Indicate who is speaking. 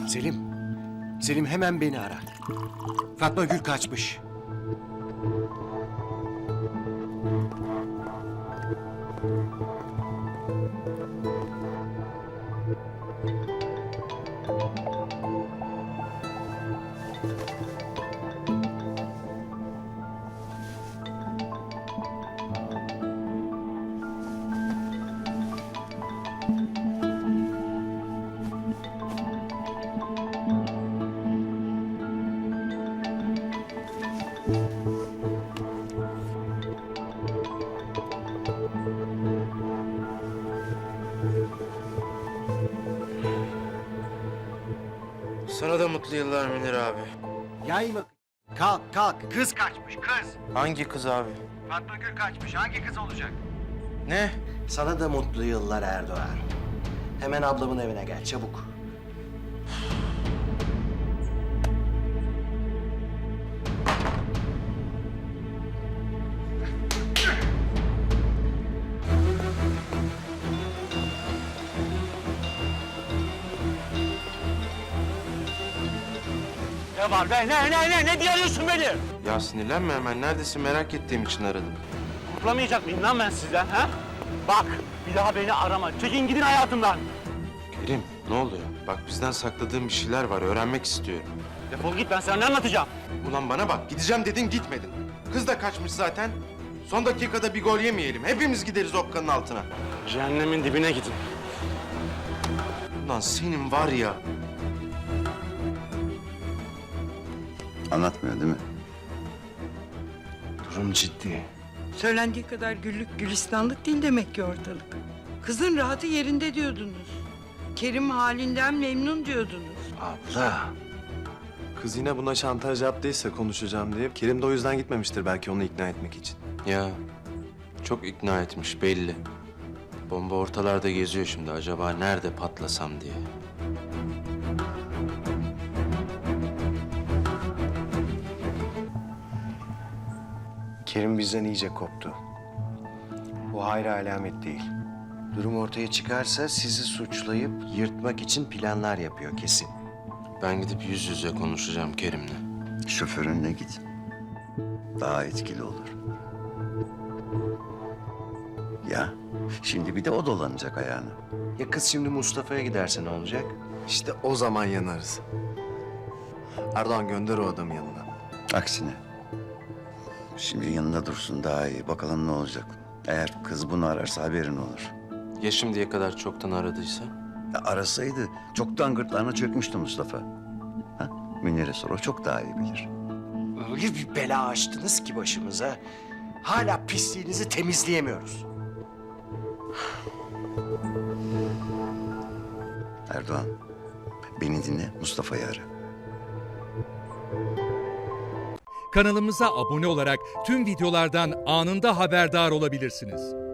Speaker 1: Selim. Selim hemen beni ara. Fatma Gül kaçmış.
Speaker 2: Sana da mutlu yıllar Münir abi.
Speaker 1: Yayma. Kalk kalk. Kız kaçmış kız.
Speaker 2: Hangi kız abi?
Speaker 1: Fatma Gül kaçmış. Hangi kız olacak?
Speaker 2: Ne?
Speaker 1: Sana da mutlu yıllar Erdoğan. Hemen ablamın evine gel çabuk.
Speaker 3: Ne var be? Ne diye arıyorsun beni?
Speaker 2: Ya sinirlenme hemen. Neredesin merak ettiğim için aradım.
Speaker 3: Kurtulamayacak mıyım lan ben sizden ha? Bak bir daha beni arama. Çekin gidin hayatımdan.
Speaker 2: Kerim ne oluyor? Bak bizden sakladığın bir şeyler var. Öğrenmek istiyorum.
Speaker 3: Defol git, ben sana ne anlatacağım?
Speaker 2: Ulan bana bak. Gideceğim dedin gitmedin. Kız da kaçmış zaten. Son dakikada bir gol yemeyelim. Hepimiz gideriz okkanın altına.
Speaker 3: Cehennemin dibine gidin.
Speaker 2: Ulan senin var ya.
Speaker 4: Anlatmıyor değil mi?
Speaker 1: Durum ciddi.
Speaker 5: Söylendiği kadar güllük gülistanlık değil demek ki ortalık. Kızın rahatı yerinde diyordunuz. Kerim halinden memnun diyordunuz.
Speaker 1: Abla.
Speaker 6: Kız yine buna şantaj yaptıysa konuşacağım diye. Kerim de o yüzden gitmemiştir belki onu ikna etmek için.
Speaker 2: Ya çok ikna etmiş belli. Bomba ortalarda geziyor şimdi. Acaba nerede patlasam diye.
Speaker 1: Kerim bizden iyice koptu. Bu hayra alamet değil. Durum ortaya çıkarsa sizi suçlayıp yırtmak için planlar yapıyor kesin.
Speaker 2: Ben gidip yüz yüze konuşacağım Kerim'le.
Speaker 4: Şoförünle git. Daha etkili olur. Ya şimdi bir de o dolanacak ayağına.
Speaker 1: Ya kız şimdi Mustafa'ya giderse ne olacak?
Speaker 6: İşte o zaman yanarız. Erdoğan gönder o adamı yanına.
Speaker 4: Aksine. Şimdi yanında dursun daha iyi. Bakalım ne olacak. Eğer kız bunu ararsa haberin olur.
Speaker 2: Ya şimdiye kadar çoktan aradıysa?
Speaker 4: Ya arasaydı çoktan gırtlağına çökmüştü Mustafa. Ha? Münir'e sor, o çok daha iyi bilir.
Speaker 1: Öyle bir bela açtınız ki başımıza. Hala pisliğinizi temizleyemiyoruz.
Speaker 4: Erdoğan, beni dinle, Mustafa'yı ara.
Speaker 7: Kanalımıza abone olarak tüm videolardan anında haberdar olabilirsiniz.